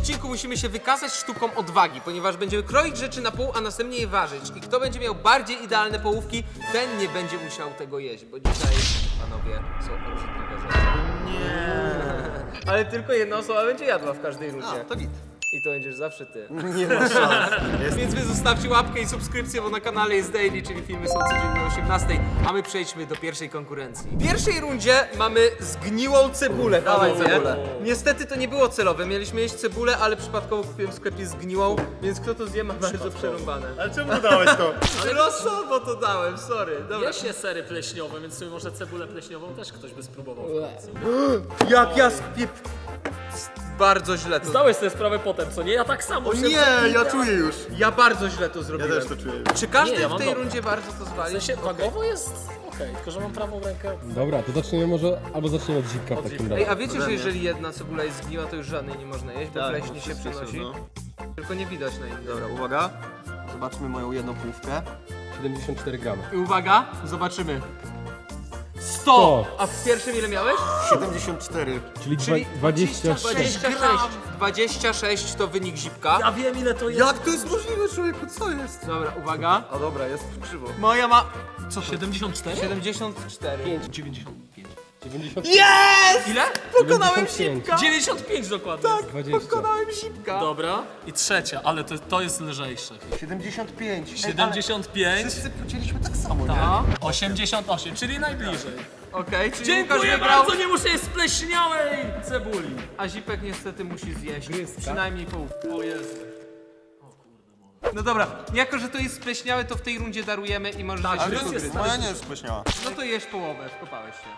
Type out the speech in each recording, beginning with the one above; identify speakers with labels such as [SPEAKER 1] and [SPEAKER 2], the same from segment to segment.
[SPEAKER 1] odcinku musimy się wykazać sztuką odwagi, ponieważ będziemy kroić rzeczy na pół, a następnie je ważyć. I kto będzie miał bardziej idealne połówki, ten nie będzie musiał tego jeść, bo dzisiaj, panowie, są obrzydliwe rzeczy. Nie. Ale tylko jedna osoba będzie jadła w każdej rundzie.
[SPEAKER 2] To git.
[SPEAKER 1] I to będziesz zawsze ty.
[SPEAKER 2] Nie ma szans.
[SPEAKER 1] Więc wy zostawcie łapkę i subskrypcję, bo na kanale jest daily, czyli filmy są codziennie o 18, a my przejdźmy do pierwszej konkurencji. W pierwszej rundzie mamy zgniłą cebulę.
[SPEAKER 2] Dawaj
[SPEAKER 1] panowie.
[SPEAKER 2] cebulę.
[SPEAKER 1] Niestety to nie było celowe, mieliśmy jeść cebulę, ale przypadkowo kupiłem w sklepie zgniłą, więc kto to zje ma bardzo przerąbane.
[SPEAKER 2] Ale czemu dałeś to?
[SPEAKER 1] Ale losowo to dałem, sorry. Dobra.
[SPEAKER 3] Je się sery pleśniowe, więc sobie może cebulę pleśniową też ktoś by spróbował.
[SPEAKER 1] Jak ja spiep... Bardzo źle to.
[SPEAKER 3] Zdałeś sobie sprawę potem, co nie? Ja tak samo.
[SPEAKER 2] O nie, ja czuję już.
[SPEAKER 1] Ja bardzo źle to
[SPEAKER 2] Ja
[SPEAKER 1] zrobiłem.
[SPEAKER 2] też to czuję.
[SPEAKER 1] Czy każdy
[SPEAKER 3] Nie, ja
[SPEAKER 1] w
[SPEAKER 3] mam
[SPEAKER 1] tej
[SPEAKER 3] dobre.
[SPEAKER 1] rundzie bardzo to
[SPEAKER 3] W
[SPEAKER 1] zwali?
[SPEAKER 3] sensie wagowo jest okej, tylko że mam prawą rękę.
[SPEAKER 4] Dobra, to zaczniemy może, albo zaczniemy od zipka w takim
[SPEAKER 1] Ej,
[SPEAKER 4] razie.
[SPEAKER 1] a wiecie, że
[SPEAKER 2] Ode mnie.
[SPEAKER 1] jeżeli jedna cebula jest zgniła, to już żadnej nie można jeść, bo pleśń się przenosi. Tylko nie widać na innej.
[SPEAKER 2] Dobra, uwaga. Zobaczmy moją jedną półkę.
[SPEAKER 4] 74 gramy.
[SPEAKER 1] I uwaga, zobaczymy. 100! A w pierwszym ile miałeś?
[SPEAKER 2] 74.
[SPEAKER 4] Czyli
[SPEAKER 1] Czyli
[SPEAKER 4] 26.
[SPEAKER 1] 26 to wynik zipka.
[SPEAKER 3] Ja wiem ile to jest.
[SPEAKER 2] Jak to jest możliwe, człowieku? Co jest?
[SPEAKER 1] Dobra, uwaga.
[SPEAKER 2] A dobra, jest krzywo.
[SPEAKER 1] Moja ma... Co to?
[SPEAKER 3] 74?
[SPEAKER 1] 74.
[SPEAKER 3] 95.
[SPEAKER 4] 90.
[SPEAKER 1] Jest! Ile? Pokonałem
[SPEAKER 4] 95.
[SPEAKER 1] zipka!
[SPEAKER 3] 95 dokładnie. Tak.
[SPEAKER 4] 20.
[SPEAKER 1] Pokonałem zipka!
[SPEAKER 3] Dobra. I trzecia, ale to jest lżejsze.
[SPEAKER 2] 75.
[SPEAKER 3] 75.
[SPEAKER 2] Wszyscy płaciliśmy tak samo, nie?
[SPEAKER 1] No,
[SPEAKER 3] 88, czyli najbliżej.
[SPEAKER 1] okej, czyli Łukasz
[SPEAKER 3] Dziękuję
[SPEAKER 1] wygrał,
[SPEAKER 3] bardzo, nie muszę jeść spleśniałej cebuli.
[SPEAKER 1] a zipek niestety musi zjeść przynajmniej połówkę.
[SPEAKER 3] O Jezu.
[SPEAKER 1] No dobra, jako że to jest spleśniałe, to w tej rundzie darujemy i możesz
[SPEAKER 3] Tak,
[SPEAKER 1] zjeść
[SPEAKER 3] ale
[SPEAKER 1] resztę.
[SPEAKER 3] jest-
[SPEAKER 2] Moja nie jest spleśniała.
[SPEAKER 1] No to jesz połowę, wkopałeś się.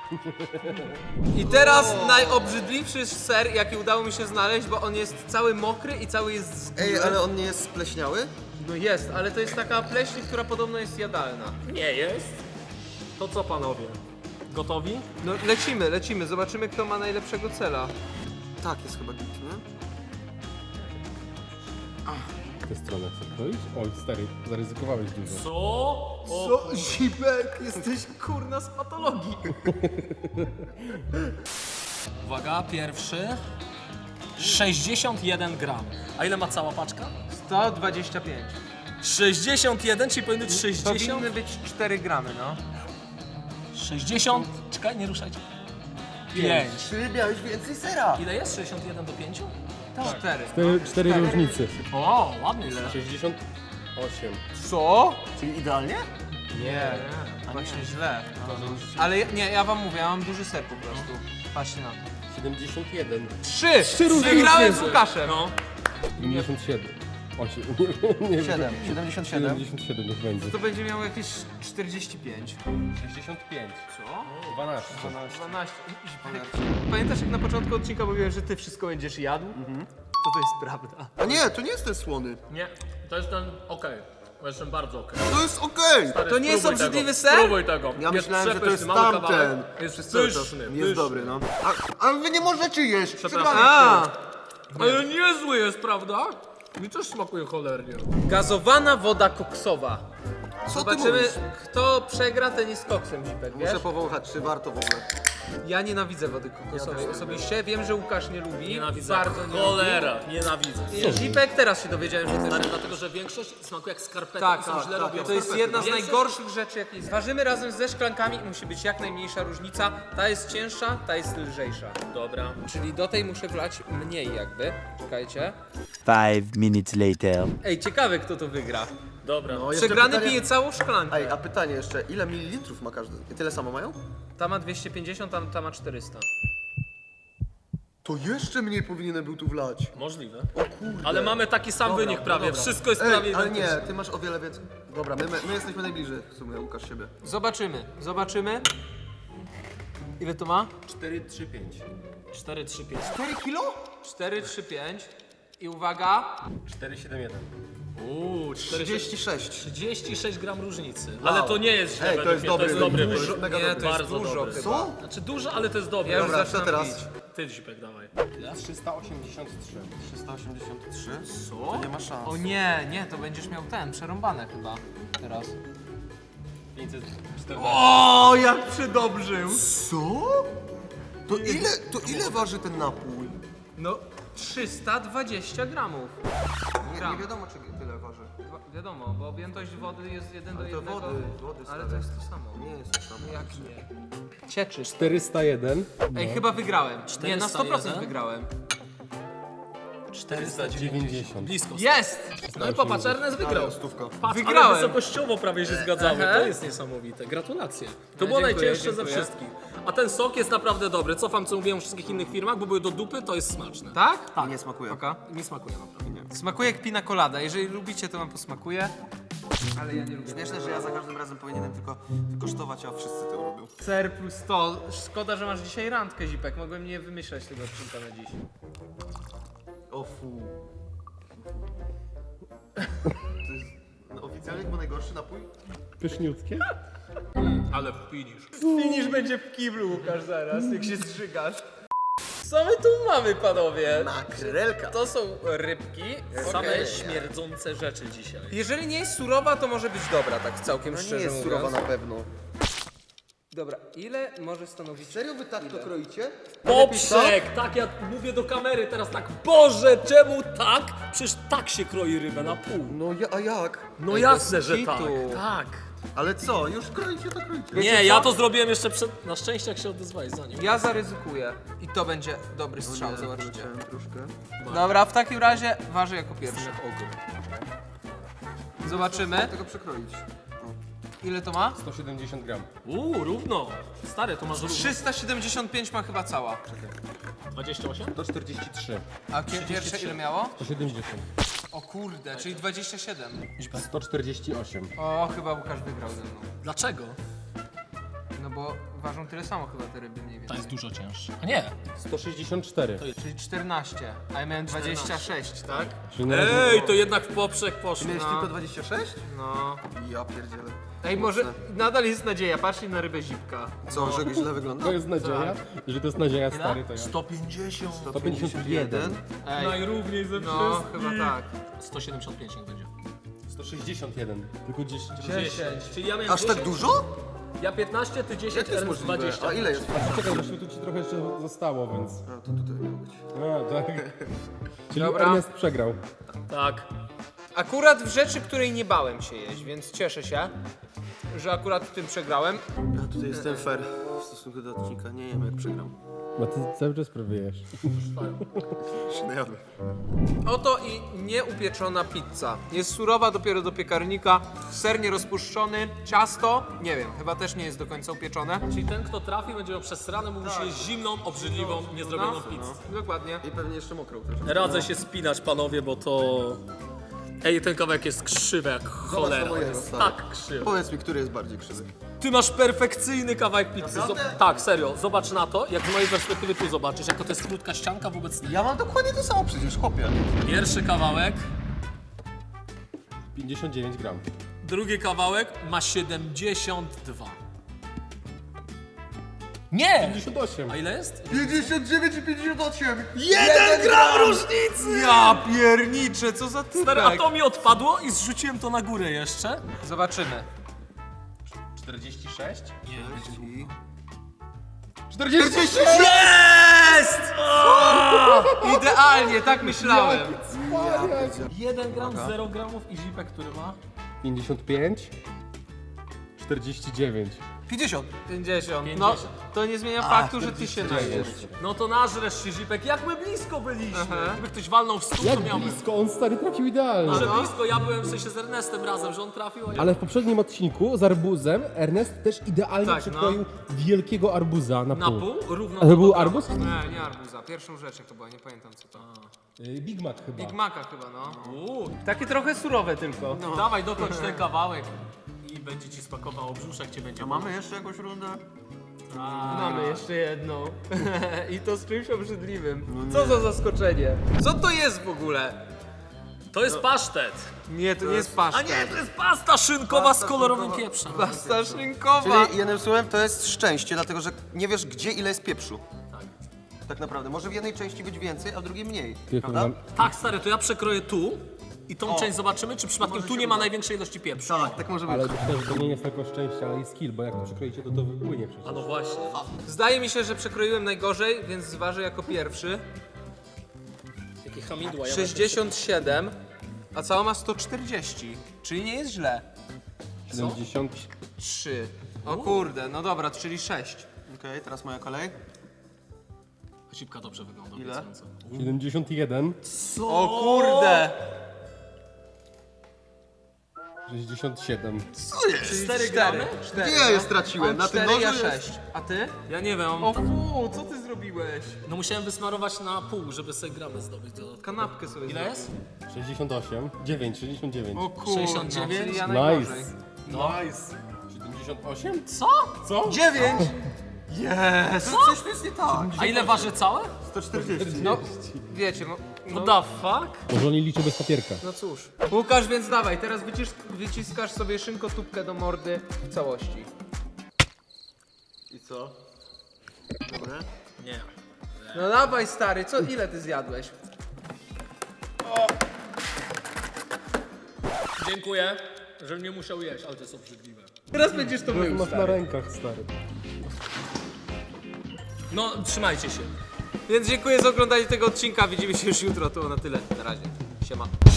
[SPEAKER 1] I teraz najobrzydliwszy ser, jaki udało mi się znaleźć, bo on jest cały mokry i cały jest zgniły.
[SPEAKER 2] Ej, ale on nie jest spleśniały?
[SPEAKER 1] No jest, ale to jest taka pleśń, która podobno jest jadalna.
[SPEAKER 3] Nie jest. To co panowie? Gotowi?
[SPEAKER 1] No lecimy, zobaczymy kto ma najlepszego cela.
[SPEAKER 2] Tak, jest chyba git, nie?
[SPEAKER 4] W tę stronę chcę kroić? Oj, stary, zaryzykowałeś dużo.
[SPEAKER 3] Co? O,
[SPEAKER 1] Co? Zipek, jesteś kurna z patologii.
[SPEAKER 3] uwaga, pierwszy. 61 gram. A ile ma cała paczka?
[SPEAKER 1] 125.
[SPEAKER 3] 61, czyli powinny być 60.
[SPEAKER 1] Powinny być 4 gramy, no.
[SPEAKER 3] 60. Czekaj, nie ruszajcie. 5.
[SPEAKER 2] Ty miałeś więcej sera.
[SPEAKER 3] Ile jest? 61 do 5?
[SPEAKER 1] 4.
[SPEAKER 4] Cztery różnice.
[SPEAKER 3] O, ładnie ile.
[SPEAKER 4] 68.
[SPEAKER 1] Co?
[SPEAKER 2] Czyli idealnie?
[SPEAKER 1] Nie, właśnie źle. Ale nie, ja wam mówię, ja mam duży ser po prostu. Patrzcie na to.
[SPEAKER 4] 71.
[SPEAKER 1] 3! Wygrałem z Łukaszem.
[SPEAKER 3] No.
[SPEAKER 4] 57. 8. Nie wiem.
[SPEAKER 2] 7. 77.
[SPEAKER 4] 77 niech będzie.
[SPEAKER 1] To będzie miało jakieś 45.
[SPEAKER 4] 65.
[SPEAKER 1] Co?
[SPEAKER 4] 12.
[SPEAKER 1] 12. Pamiętasz jak na początku odcinka mówiłem, że ty wszystko będziesz jadł? To jest prawda.
[SPEAKER 2] A nie, to nie jest ten słony.
[SPEAKER 3] Nie, to jest ten okej. To jest ten bardzo okej.
[SPEAKER 2] To jest okej.
[SPEAKER 1] To nie jest
[SPEAKER 3] Spróbuj
[SPEAKER 1] obrzydliwy
[SPEAKER 3] tego,
[SPEAKER 1] ser?
[SPEAKER 3] Spróbuj tego.
[SPEAKER 2] Ja myślałem, że to jest
[SPEAKER 3] przepyszny, mały kawałek.
[SPEAKER 2] tamten.
[SPEAKER 3] Jest
[SPEAKER 2] Przez cały czas.
[SPEAKER 3] pyszny,
[SPEAKER 2] Jest
[SPEAKER 3] pyszny.
[SPEAKER 2] dobry, no. Ale wy nie możecie jeść.
[SPEAKER 3] Przepraszam.
[SPEAKER 1] A,
[SPEAKER 3] Ale niezły jest, prawda? Mi też smakuje cholernie.
[SPEAKER 1] gazowana woda koksowa.
[SPEAKER 2] Co ty
[SPEAKER 1] Zobaczymy,
[SPEAKER 2] mówisz?
[SPEAKER 1] kto przegra, ten jest koksem, Zipek, wiesz?
[SPEAKER 2] Muszę powąchać, czy warto w ogóle.
[SPEAKER 1] Ja nienawidzę wody kokosowej osobiście. Wiem, że Łukasz nie lubi.
[SPEAKER 3] Nienawidzę.
[SPEAKER 1] Bardzo nie
[SPEAKER 3] Cholera, nienawidzę.
[SPEAKER 1] lubi. I Zipek też się dowiedziałem, że też.
[SPEAKER 3] Stary, dlatego, że większość smakuje jak skarpety
[SPEAKER 1] Tak,
[SPEAKER 3] i są
[SPEAKER 1] tak,
[SPEAKER 3] źle
[SPEAKER 1] tak.
[SPEAKER 3] robione.
[SPEAKER 1] To jest jedna z
[SPEAKER 3] Większość-
[SPEAKER 1] najgorszych rzeczy, jakie jest. Ważymy razem ze szklankami i musi być jak najmniejsza różnica. Ta jest cięższa, ta jest lżejsza.
[SPEAKER 3] Dobra.
[SPEAKER 1] Czyli do tej muszę wlać mniej jakby. Czekajcie.
[SPEAKER 5] 5 minutes later.
[SPEAKER 1] Ej, ciekawe kto to wygra.
[SPEAKER 3] Dobra.
[SPEAKER 2] No, jeszcze
[SPEAKER 1] Przegrany
[SPEAKER 2] pytanie-
[SPEAKER 1] pije całą szklankę.
[SPEAKER 2] Ej, a pytanie jeszcze, ile mililitrów ma każdy? I tyle samo mają?
[SPEAKER 1] Ta ma 250, ta ma 400.
[SPEAKER 2] To jeszcze mniej powinienem był tu wlać.
[SPEAKER 3] Możliwe.
[SPEAKER 2] O kurde.
[SPEAKER 3] Ale mamy taki sam
[SPEAKER 2] Dobra,
[SPEAKER 3] wynik prawie.
[SPEAKER 2] dobra.
[SPEAKER 3] Wszystko jest prawie
[SPEAKER 2] Ej, ale nie,
[SPEAKER 3] identyczne.
[SPEAKER 2] ty masz o wiele więcej. Dobra, my jesteśmy najbliżej w sumie, Łukasz, siebie.
[SPEAKER 1] Zobaczymy. Ile to ma?
[SPEAKER 4] 435.
[SPEAKER 3] 4, 3, 5.
[SPEAKER 2] 4 kilo?
[SPEAKER 1] 4, 3, 5. I uwaga,
[SPEAKER 4] 471.
[SPEAKER 2] 36.
[SPEAKER 3] 36 gram różnicy. Ale to nie jest źle
[SPEAKER 2] Ej,
[SPEAKER 3] według
[SPEAKER 2] to jest
[SPEAKER 3] mnie,
[SPEAKER 2] dobry.
[SPEAKER 3] to jest dobry
[SPEAKER 2] Dużo,
[SPEAKER 3] wynik.
[SPEAKER 2] mega
[SPEAKER 1] nie,
[SPEAKER 2] dobry.
[SPEAKER 1] to jest
[SPEAKER 3] Bardzo
[SPEAKER 1] dużo
[SPEAKER 3] dobry.
[SPEAKER 1] chyba.
[SPEAKER 2] Co?
[SPEAKER 3] Znaczy dużo, ale to jest dobry.
[SPEAKER 1] Ja już
[SPEAKER 2] Dobra,
[SPEAKER 1] zaczynam
[SPEAKER 2] co teraz?
[SPEAKER 1] pić.
[SPEAKER 3] Ty Zipek, dawaj.
[SPEAKER 4] 383.
[SPEAKER 2] 383?
[SPEAKER 1] Co?
[SPEAKER 2] To nie ma szans.
[SPEAKER 1] O nie, to będziesz miał przerąbane chyba. Teraz.
[SPEAKER 4] 514.
[SPEAKER 1] O, jak przedobrzył!
[SPEAKER 2] Co? To ile waży ten napój?
[SPEAKER 1] No, 320 gramów.
[SPEAKER 2] Nie wiadomo, czy tyle waży.
[SPEAKER 1] Wiadomo, bo objętość wody jest 1 do
[SPEAKER 2] Ale to
[SPEAKER 1] 1.
[SPEAKER 2] wody
[SPEAKER 1] Ale
[SPEAKER 2] stare.
[SPEAKER 1] to jest to samo.
[SPEAKER 2] Nie jest to samo.
[SPEAKER 1] Jak nie? Cieczy.
[SPEAKER 4] 401.
[SPEAKER 1] Ej, chyba wygrałem. Nie, na 100%
[SPEAKER 3] 401?
[SPEAKER 1] wygrałem.
[SPEAKER 4] 490.
[SPEAKER 3] Blisko.
[SPEAKER 1] Jest!
[SPEAKER 3] No i popatrz, Ernest wygrał.
[SPEAKER 2] Stówka.
[SPEAKER 3] Patrz,
[SPEAKER 1] Wygrałem.
[SPEAKER 3] ale wysokościowo prawie się zgadzamy.
[SPEAKER 1] Aha.
[SPEAKER 3] To jest niesamowite. Gratulacje. To
[SPEAKER 1] No,
[SPEAKER 3] było
[SPEAKER 1] dziękuję,
[SPEAKER 3] najcięższe
[SPEAKER 1] dziękuję.
[SPEAKER 3] ze wszystkich. A ten sok jest naprawdę dobry. Cofam, co mówiłem w wszystkich innych firmach, bo były do dupy, to jest smaczne.
[SPEAKER 1] Tak?
[SPEAKER 3] Tak.
[SPEAKER 2] Nie smakuje.
[SPEAKER 1] Oka.
[SPEAKER 3] Mi smakuje naprawdę.
[SPEAKER 1] Smakuje jak pina colada. Jeżeli lubicie, to wam posmakuje. Ale ja nie lubię.
[SPEAKER 2] Śmieszne, że ja za każdym razem powinienem tylko kosztować, a wszyscy to robią.
[SPEAKER 1] Ser plus to. Szkoda, że masz dzisiaj randkę, Zipek. Mogłem nie wymyślać tego odcinka na dziś.
[SPEAKER 2] O fu. To jest oficjalnie chyba najgorszy napój?
[SPEAKER 4] Pyszniutkie?
[SPEAKER 3] Ale finish.
[SPEAKER 1] Finish będzie w kiblu, Łukasz, zaraz, jak się zżygasz. Co my tu mamy, panowie?
[SPEAKER 2] Makrelka.
[SPEAKER 1] To są rybki.
[SPEAKER 3] Same
[SPEAKER 1] Okej.
[SPEAKER 3] śmierdzące rzeczy dzisiaj.
[SPEAKER 1] Jeżeli nie jest surowa, to może być dobra, tak całkiem
[SPEAKER 2] No nie
[SPEAKER 1] szczerze
[SPEAKER 2] jest
[SPEAKER 1] mówiąc.
[SPEAKER 2] surowa na pewno.
[SPEAKER 1] Dobra, ile może stanowić...
[SPEAKER 2] Serio wy tak to kroicie?
[SPEAKER 3] Poprzek! Tak, ja mówię do kamery teraz tak. Boże, czemu tak? Przecież tak się kroi rybę na pół.
[SPEAKER 2] No a jak?
[SPEAKER 3] No
[SPEAKER 1] Ej,
[SPEAKER 3] jasne,
[SPEAKER 1] bez
[SPEAKER 3] że
[SPEAKER 1] kitu.
[SPEAKER 3] tak. Tak.
[SPEAKER 2] Ale co? Już kroicie, to kroicie.
[SPEAKER 3] Nie, ja to zrobiłem jeszcze przed... Na szczęście jak się odezwałeś za nim.
[SPEAKER 1] Ja zaryzykuję. I to będzie dobry strzał, zobaczycie.
[SPEAKER 2] Troszkę.
[SPEAKER 1] Dobra, w takim razie ważę jako pierwszy. Zobaczymy,
[SPEAKER 2] Tego przekroić.
[SPEAKER 1] ile to ma.
[SPEAKER 4] 170 gram.
[SPEAKER 3] Równo. Stary, to masz równo.
[SPEAKER 1] 375 ma chyba cała.
[SPEAKER 3] 28?
[SPEAKER 4] 143.
[SPEAKER 1] A pierwsze ile miało?
[SPEAKER 4] 170.
[SPEAKER 1] O kurde, czyli 27.
[SPEAKER 4] 148.
[SPEAKER 1] O, chyba Łukasz wygrał ze mną.
[SPEAKER 3] Dlaczego?
[SPEAKER 1] No bo ważą tyle samo chyba te ryby mniej
[SPEAKER 3] To
[SPEAKER 1] więcej.
[SPEAKER 3] jest dużo cięższe. A nie.
[SPEAKER 4] 164.
[SPEAKER 1] Czyli 14, a ja miałem 26, tak?
[SPEAKER 4] Czyli na razie
[SPEAKER 3] Ej, to jednak w poprzek poszło.
[SPEAKER 2] Miałeś tylko 26?
[SPEAKER 1] No.
[SPEAKER 2] Ja pierdzielę.
[SPEAKER 1] Ej, może nadal jest nadzieja, patrzcie na rybę Zipka.
[SPEAKER 2] Co, że źle wygląda?
[SPEAKER 4] to jest nadzieja. Jeżeli to jest nadzieja stary, to ja.
[SPEAKER 3] 150.
[SPEAKER 4] 151.
[SPEAKER 1] Ej,
[SPEAKER 3] Najrówniej ze
[SPEAKER 1] no chyba tak.
[SPEAKER 3] 175 niech będzie.
[SPEAKER 4] 161. Tylko 10.
[SPEAKER 3] 10. Czyli ja miałem
[SPEAKER 2] Aż
[SPEAKER 3] 10,
[SPEAKER 2] tak dużo?
[SPEAKER 3] Ja 15, ty 10,
[SPEAKER 2] Jak to jest
[SPEAKER 3] Ernest
[SPEAKER 2] możliwe?
[SPEAKER 3] 20.
[SPEAKER 2] A ile jest?
[SPEAKER 4] Czekaj, bo tu ci trochę jeszcze zostało, więc...
[SPEAKER 2] A, to tutaj miało być.
[SPEAKER 4] A, tak. Czyli
[SPEAKER 1] Dobra.
[SPEAKER 4] Ernest przegrał.
[SPEAKER 3] Tak.
[SPEAKER 1] Akurat w rzeczy, której nie bałem się jeść, więc cieszę się, że akurat w tym przegrałem.
[SPEAKER 2] Ja tutaj jestem fair w stosunku do odcinka. Nie wiem jak przegram.
[SPEAKER 4] Bo ty cały czas próbujesz.
[SPEAKER 2] Się najadłem.
[SPEAKER 1] Oto i nieupieczona pizza. Jest surowa dopiero do piekarnika, ser nierozpuszczony, ciasto, nie wiem, chyba też nie jest do końca upieczone.
[SPEAKER 3] Czyli ten, kto trafi, będzie miał przesrane, mógł się jeść zimną, obrzydliwą, niezrobioną pizzę.
[SPEAKER 1] Dokładnie.
[SPEAKER 2] I pewnie jeszcze mokrą też.
[SPEAKER 3] Radzę się spinać, panowie, bo to... Ej, ten kawałek jest krzywy jak cholera.
[SPEAKER 2] mojego,
[SPEAKER 3] Jest
[SPEAKER 2] stary.
[SPEAKER 3] tak krzywy.
[SPEAKER 2] Powiedz mi, który jest bardziej krzywy.
[SPEAKER 3] Ty masz perfekcyjny kawałek pizzy.
[SPEAKER 2] Naprawdę?
[SPEAKER 3] Tak, serio. Zobacz na to, jak z mojej perspektywy tu zobaczysz, jako to jest krótka ścianka wobec tego.
[SPEAKER 2] Ja mam dokładnie to samo przecież, chłopie.
[SPEAKER 3] Pierwszy kawałek,
[SPEAKER 4] 59 gram.
[SPEAKER 3] drugi kawałek ma 72. Nie!
[SPEAKER 4] 58.
[SPEAKER 3] A ile jest?
[SPEAKER 2] 59 i 58!
[SPEAKER 3] 1 gram różnicy!
[SPEAKER 1] Ja pierniczę, co za
[SPEAKER 3] Stary, a
[SPEAKER 1] typek.
[SPEAKER 3] to mi odpadło i zrzuciłem to na górę jeszcze.
[SPEAKER 1] Zobaczymy.
[SPEAKER 4] 46?
[SPEAKER 2] I...
[SPEAKER 4] 46!
[SPEAKER 3] Jest!
[SPEAKER 1] Idealnie, tak myślałem.
[SPEAKER 3] 1 gram, 0 gramów i zipek, który ma?
[SPEAKER 4] 55. 49.
[SPEAKER 2] 50.
[SPEAKER 1] 50. No, to nie zmienia faktu, że ty się najesz.
[SPEAKER 3] No to nażresz się, zipek. Jak my blisko byliśmy.
[SPEAKER 1] Aha.
[SPEAKER 3] Gdyby ktoś walnął w stół,
[SPEAKER 4] Jak
[SPEAKER 3] to miałbym.
[SPEAKER 4] blisko, on stary trafił idealnie.
[SPEAKER 3] Że blisko, ja byłem w sensie z Ernestem razem, że on trafił, a ja...
[SPEAKER 4] Ale w poprzednim odcinku z arbuzem Ernest też idealnie
[SPEAKER 1] Tak,
[SPEAKER 4] przekroił wielkiego arbuza na
[SPEAKER 3] Na
[SPEAKER 4] pół.
[SPEAKER 3] pół? Równo
[SPEAKER 4] A to był
[SPEAKER 3] do
[SPEAKER 4] arbuz?
[SPEAKER 1] Nie arbuza. Pierwszą rzecz jak to była, nie pamiętam co to.
[SPEAKER 4] Big Mac chyba.
[SPEAKER 1] Big Maca chyba, no.
[SPEAKER 3] Uuu,
[SPEAKER 1] Takie trochę surowe tylko.
[SPEAKER 3] Dawaj, dokończ ten kawałek i będzie ci smakowało, brzuszek cię będzie.
[SPEAKER 2] A mamy jeszcze jakąś rundę?
[SPEAKER 1] Mamy jeszcze jedną. I to z czymś obrzydliwym. Co za zaskoczenie. Co to jest w ogóle?
[SPEAKER 3] To jest pasztet.
[SPEAKER 1] Nie, to nie jest
[SPEAKER 3] A
[SPEAKER 1] pasztet.
[SPEAKER 3] nie, to jest pasta szynkowa z kolorowym pieprzem.
[SPEAKER 1] Pasta szynkowa.
[SPEAKER 2] Czyli jednym słowem to jest szczęście, dlatego że nie wiesz gdzie ile jest pieprzu. Tak naprawdę. Może w jednej części być więcej, a w drugiej mniej. Prawda?
[SPEAKER 3] Tak, stary, to ja przekroję tu i tą część zobaczymy, czy przypadkiem
[SPEAKER 2] Może
[SPEAKER 3] tu
[SPEAKER 2] się
[SPEAKER 3] nie ma
[SPEAKER 2] uda.
[SPEAKER 3] największej ilości pieprzu.
[SPEAKER 2] Tak, tak może być.
[SPEAKER 4] Ale myślę, że to nie jest tylko szczęście, ale i skill, bo jak to przekroicie, to wypłynie przecież.
[SPEAKER 3] A no właśnie.
[SPEAKER 1] Zdaje mi się, że przekroiłem najgorzej, więc zważę jako pierwszy.
[SPEAKER 3] Jakie hamidła. Ja
[SPEAKER 1] 67, a cała ma 140, czyli nie jest źle.
[SPEAKER 4] 70.
[SPEAKER 1] 3. O kurde, no dobra, czyli 6.
[SPEAKER 2] Okej, teraz moja kolej.
[SPEAKER 3] Cipka dobrze wygląda.
[SPEAKER 2] Ile?
[SPEAKER 3] obiecująco.
[SPEAKER 4] 71.
[SPEAKER 1] O kurde!
[SPEAKER 4] 67.
[SPEAKER 1] Czyli
[SPEAKER 3] 4
[SPEAKER 1] 4
[SPEAKER 3] gramy?
[SPEAKER 2] Gdzie ja je straciłem? Na tym
[SPEAKER 1] 4,
[SPEAKER 2] nożu
[SPEAKER 1] ja
[SPEAKER 2] jest...
[SPEAKER 1] 6. A ty?
[SPEAKER 3] Ja nie wiem.
[SPEAKER 1] O fu, co ty zrobiłeś?
[SPEAKER 3] No musiałem wysmarować na pół, żeby sobie gramy zdobyć dodatkowo.
[SPEAKER 1] Kanapkę sobie
[SPEAKER 3] Ile jest?
[SPEAKER 4] 68. 9, 69.
[SPEAKER 1] O kurde,
[SPEAKER 3] 69?
[SPEAKER 1] czyli ja najgorzej.
[SPEAKER 4] Nice.
[SPEAKER 3] No.
[SPEAKER 4] 78?
[SPEAKER 3] Co?
[SPEAKER 4] Co?
[SPEAKER 1] 9!
[SPEAKER 2] Jest! Coś tu jest nie tak.
[SPEAKER 3] A ile waży całe?
[SPEAKER 2] 140.
[SPEAKER 1] No, wiecie, no,
[SPEAKER 3] What the fuck?
[SPEAKER 4] Może oni liczą bez papierka.
[SPEAKER 1] no cóż. Łukasz, więc dawaj, teraz wyciskasz sobie szynkotubkę do mordy w całości.
[SPEAKER 2] I co? Dobre?
[SPEAKER 3] Nie.
[SPEAKER 1] No dawaj stary, ile ty zjadłeś?
[SPEAKER 3] Dziękuję, że nie musiał jeść, ale to jest obrzydliwe.
[SPEAKER 1] Teraz będziesz to mył,
[SPEAKER 4] Masz na
[SPEAKER 1] stary.
[SPEAKER 4] rękach, stary.
[SPEAKER 3] No, trzymajcie się.
[SPEAKER 1] Więc dziękuję za oglądanie tego odcinka, widzimy się już jutro, to na tyle, na razie, siema.